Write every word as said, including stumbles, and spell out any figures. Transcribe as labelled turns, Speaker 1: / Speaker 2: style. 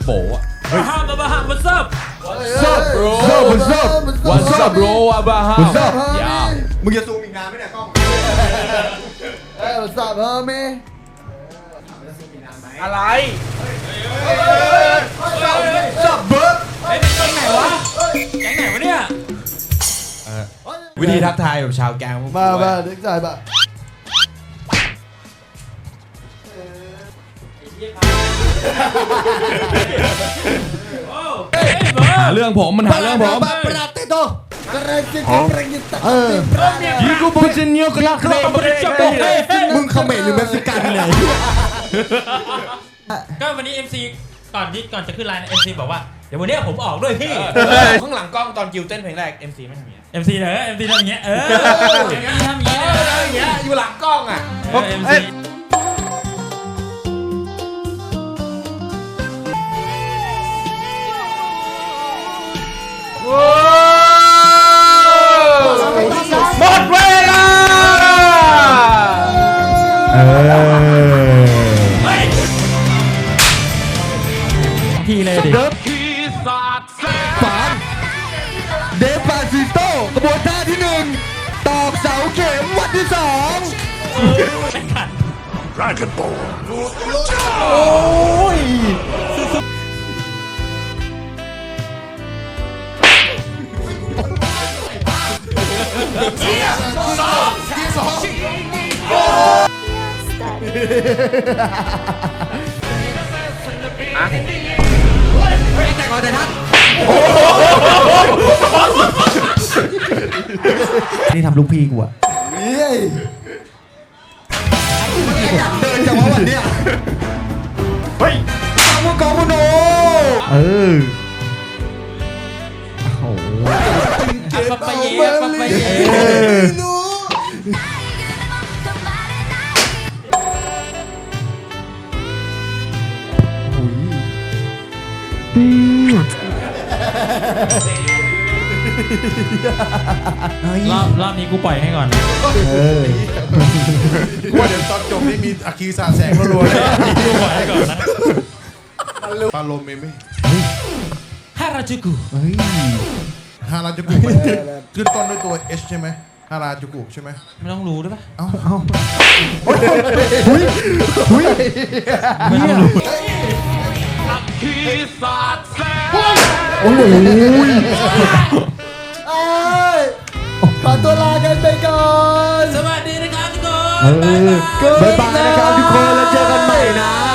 Speaker 1: โป๋อะเฮ้ย
Speaker 2: ฮัมบาฮัม what's up
Speaker 1: What's up bro What's up What's up bro อะบาฮัม
Speaker 3: What's up
Speaker 1: ยาว
Speaker 3: มึงจะซูมอีกนานไหมเนี่ยกล้องเอ้ย What's up เฮ้ยมี
Speaker 1: อะไร
Speaker 3: What's up เบิร์ด
Speaker 2: เฮ้ยแก๊งไหนวะแก๊งไหนวะเนี่ย
Speaker 1: วิธีทักทายแบบชาวแกง
Speaker 3: มามาเด็กชายมา
Speaker 2: เฮ้ยเบิร์
Speaker 1: หา
Speaker 2: ด
Speaker 1: เรื่องผมมันหาเรื่องผม
Speaker 3: ประดับติโตกระไรจิตกระไรจิตเออ
Speaker 1: ยิกูบูจินเนียกลักเล
Speaker 3: มึงเขมรหรือเม็กซิกันเนี่ย
Speaker 2: ก็วันนี้ เอ็ม ซี ก่อนที่ก่อนจะขึ้นไลน์ เอ็ม ซี บอกว่าเดี๋ยววันนี้ผมออกด้วยพี่
Speaker 1: ข้างหลังกล้องตอนกิวเต้นเพลงแรก เอ็ม ซี ไม่ทำอย่างเงี้ย
Speaker 2: เอ็ม ซี เหรอ เอ็ม ซี ทำอย่างเงี้ยเออ เอ็ม ซี ทำอย่างเงี้ย
Speaker 1: อย่างเงี้ยอยู่หลังกล้องอ่ะ
Speaker 2: เออ เอ็ม ซี
Speaker 1: หมดเวลาเออ
Speaker 2: ทีเลยดิ
Speaker 3: เดิฟฝานเดฟปาซิโตกระบวนท่าที่หนึ่งตอกเสาเข็มวันที่สอง
Speaker 4: Dragon Ball.
Speaker 3: โอ้ยแต่ก่อนแต่ทักนี่ทำลูกพี่กูอะเฮ้ยอยากเดินจังวะวันเนี้ยเฮ้ยตามมือกองมโนเออโอ้โห
Speaker 2: ปะปะเย่ปะปะเย่ รอบรอบนี้กูปล่อยให้ก่อน
Speaker 4: ว่าเดี๋ยวตอนจบนี่มีอาคีสาแสงรัวๆเลย
Speaker 2: กูปล่อยให้ก่อนนะ
Speaker 4: ปาโลเมเม่
Speaker 2: ฮาราจูกุ
Speaker 3: เฮ้ย
Speaker 4: ฮาราจูกุมันขึ้นต้นด้วยตัว H ใช่ไหมฮาราจูกุใช่ไหม
Speaker 2: ไม่ต้องรู้ด้วยปะ
Speaker 4: เอ้า
Speaker 3: เอาหุ้ยหุ้ย
Speaker 2: ไม่ต้องรู้
Speaker 3: โอ้โหเอ้ยขอตัวลากันไปก่อน
Speaker 2: สวัสดีนะครับทุกคน
Speaker 3: บ๊ายบายนะครับทุกคนแล้วเจอกันใหม่นะ